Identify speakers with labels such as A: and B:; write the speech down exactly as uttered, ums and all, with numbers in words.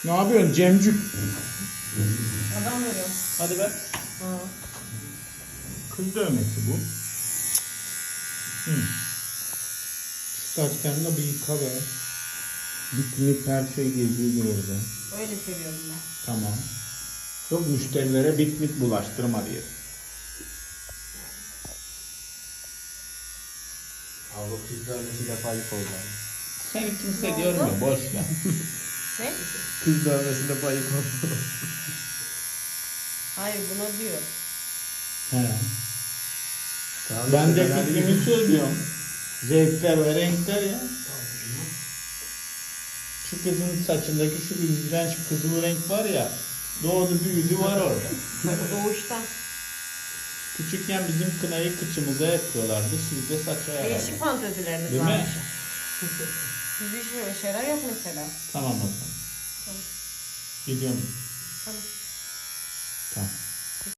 A: Ne yapıyorsun Cemcük?
B: Adam veriyor.
A: Hadi ver.
B: Ha.
A: Kız dövmesi bu. Hı. Şu saçlarını da bir yıka be. Bitmik her şey geziyordur orada.
B: Öyle seviyorum ben.
A: Tamam. Yok müşterilere bitmik bulaştırma diye.
C: Abi o kız dövmesi defa ayıp oldu.
A: Seni kimse
B: Ne
A: görmüyor.
B: oldu?
A: Boş ver.
B: Ne?
C: Kız dövmesi defa ayıp oldu.
B: Hayır buna diyor.
A: He.
C: Tamam,
A: Ben de
C: işte ben
A: fikrimi söylüyorum. Zevkler ve renkler ya. Şu kızın saçındaki şu iğrenç kızıl renk var ya. Doğdu büyüdü var orada.
B: Doğuştan.
A: Küçükken bizim kınayı kıçımıza yapıyorlardı. Sizde saça yarardı.
B: Değişik fantezileriniz
A: Değil mi?
B: varmış. Bizde hiç böyle şeyler yok mesela.
A: Tamam o zaman.
B: Tamam.
A: Gidiyorum.
B: Tamam.